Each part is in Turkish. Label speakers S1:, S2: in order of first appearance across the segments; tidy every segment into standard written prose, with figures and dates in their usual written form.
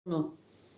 S1: onu.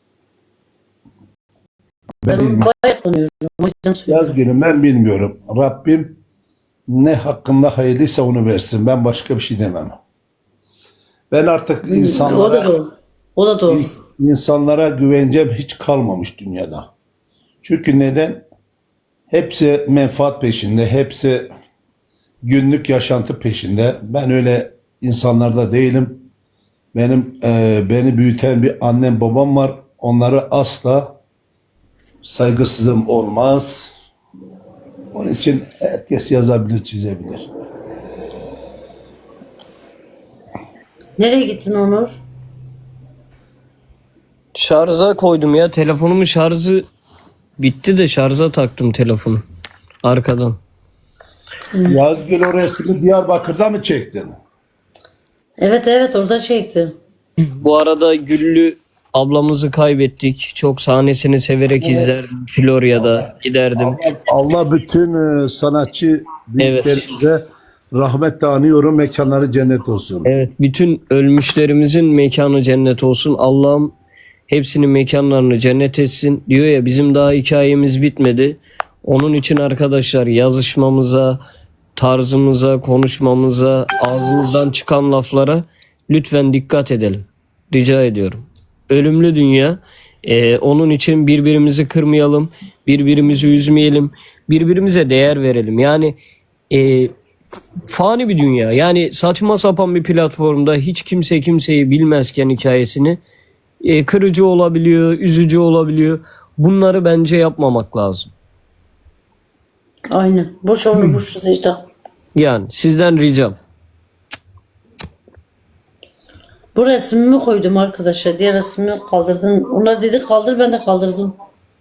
S2: Ben
S1: Ben onu
S2: bilmiyorum.
S1: bayağı tanıyorum. O yüzden söylüyorum.
S2: Yaz günü ben bilmiyorum. Rabbim ne hakkında hayırlıysa onu versin. Ben başka bir şey demem. Ben artık
S1: O da doğru. O da doğru.
S2: insanlara güvencem hiç kalmamış dünyada. Çünkü neden? Hepsi menfaat peşinde, hepsi günlük yaşantı peşinde. Ben öyle insanlarda değilim. Beni büyüten bir annem babam var. Onları asla saygısızlığım olmaz. Onun için herkes yazabilir, çizebilir.
S1: Nereye gittin Onur?
S3: Şarja koydum ya. Telefonumun şarjı bitti de şarja taktım telefonu. Arkadan.
S2: Yazgül o resmi Diyarbakır'da mı çektin?
S1: Evet orada çekti.
S3: Bu arada Güllü ablamızı kaybettik. Çok sahnesini severek izlerdim. Florya'da giderdim.
S2: Allah bütün sanatçı büyüklerimize rahmetle anıyorum. Mekanları cennet olsun.
S3: Evet, bütün ölmüşlerimizin mekanı cennet olsun. Allah'ım hepsinin mekanlarını cennet etsin. Diyor ya, bizim daha hikayemiz bitmedi. Onun için arkadaşlar yazışmamıza, tarzımıza, konuşmamıza, ağzımızdan çıkan laflara lütfen dikkat edelim. Rica ediyorum. Ölümlü dünya. Onun için birbirimizi kırmayalım, birbirimizi üzmeyelim, birbirimize değer verelim. Yani fani bir dünya. Yani saçma sapan bir platformda hiç kimse kimseyi bilmezken hikayesini kırıcı olabiliyor, üzücü olabiliyor. Bunları bence yapmamak lazım.
S1: Aynen. Boş onu boş Secda.
S3: Yani sizden ricam.
S1: Bu resmimi koydum arkadaşlar. Diğer resmimi kaldırdın. Onlar dedi kaldır, ben de kaldırdım.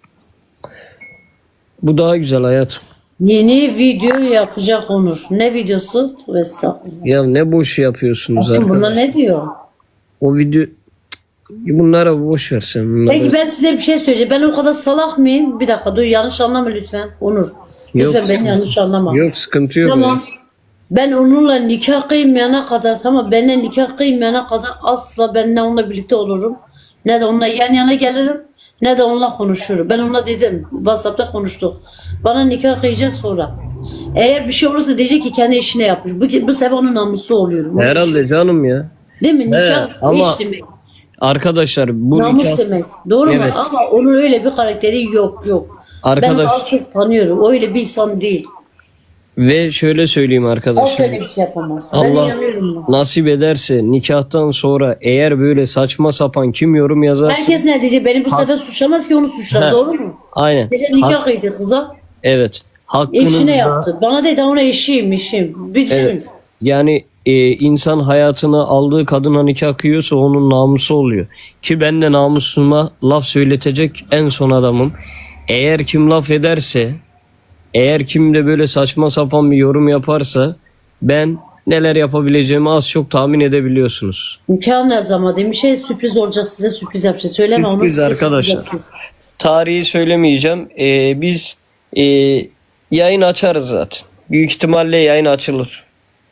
S3: Bu daha güzel hayat.
S1: Yeni video yapacak Onur. Ne videosu? Tövbe estağfurullah.
S3: Ya ne boş yapıyorsunuz
S1: Şimdi bunlar
S3: arkadaşlar.
S1: ne diyor?
S3: O video bunlara boş ver sen. Bunları...
S1: Peki ben size bir şey söyleyeceğim. Ben o kadar salak mıyım? Bir dakika dur, yanlış anlama lütfen. Onur. Lütfen
S3: Yok.
S1: beni yanlış anlama.
S3: Yok, sıkıntı yok.
S1: Tamam. Ben onunla nikah kıymayana kadar, tamam, benimle nikah kıymayana kadar asla ben ne onunla birlikte olurum, ne de onunla yan yana gelirim, ne de onunla konuşurum. Ben onunla dedim. WhatsApp'ta konuştuk. Bana nikah kıyacak sonra. Eğer bir şey olursa diyecek ki kendi işine yapmış. Bu sefer onun namusu oluyorum.
S3: Herhalde canım ya.
S1: Değil mi? Nikah
S3: ama
S1: iş demek.
S3: Arkadaşlar bu
S1: Namus
S3: nikah...
S1: demek. Doğru mu?
S3: Evet.
S1: Ama onun öyle bir karakteri yok. Ben
S3: Arkadaş
S1: az çok tanıyorum. Öyle bir insan değil.
S3: ve şöyle söyleyeyim
S1: O
S3: arkadaşlar.
S1: öyle bir şey yapamaz. Ben
S3: Allah
S1: inanıyorum buna.
S3: nasip ederse nikahtan sonra eğer böyle saçma sapan kim yorum yazarsa...
S1: Herkes ne diyecek? Beni bu sefer suçlamaz ki onu suçlar.
S3: Heh.
S1: Doğru mu?
S3: Aynen.
S1: Gece nikah kıydı kıza.
S3: Evet. Hakkınızda...
S1: Eşine yaptı. Bana dedi ona eşiyim. Bir düşün.
S3: Evet. Yani insan hayatını aldığı kadına nikah kıyıyorsa onun namusu oluyor. Ki ben de namusuma laf söyletecek en son adamım. Eğer kim laf ederse, eğer kim de böyle saçma sapan bir yorum yaparsa ben neler yapabileceğimi az çok tahmin edebiliyorsunuz.
S1: Nikah ne zaman demiş, şey sürpriz olacak, size sürpriz yapacağız. Söyleme onu.
S3: Sürpriz
S1: size
S3: arkadaşlar.
S1: yapacağız.
S3: Tarihi söylemeyeceğim. Biz yayın açarız zaten. Büyük ihtimalle yayın açılır.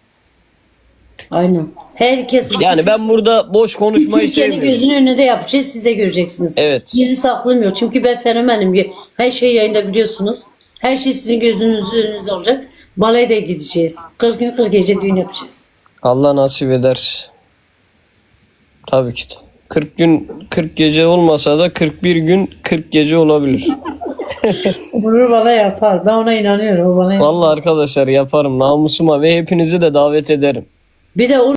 S1: Aynen. Herkes
S3: Yani ben burada boş konuşmayı
S1: Türkiye'nin
S3: sevmiyorum.
S1: gözünün önünde yapacağız. Siz de göreceksiniz.
S3: Evet.
S1: Gizli saklamıyor. Çünkü ben fenomenim. Her şeyi yayında biliyorsunuz. Her şey sizin gözünüzün önünüzde olacak. Balaya da gideceğiz. 40 gün 40 gece düğün yapacağız.
S3: Allah nasip eder. Tabii ki de. 40 gün 40 gece olmasa da 41 gün 40 gece olabilir.
S1: Bunu bana yapar. Ben ona inanıyorum. O bana yapar.
S3: Vallahi arkadaşlar yaparım namusuma ve hepinizi de davet ederim.
S1: Bir de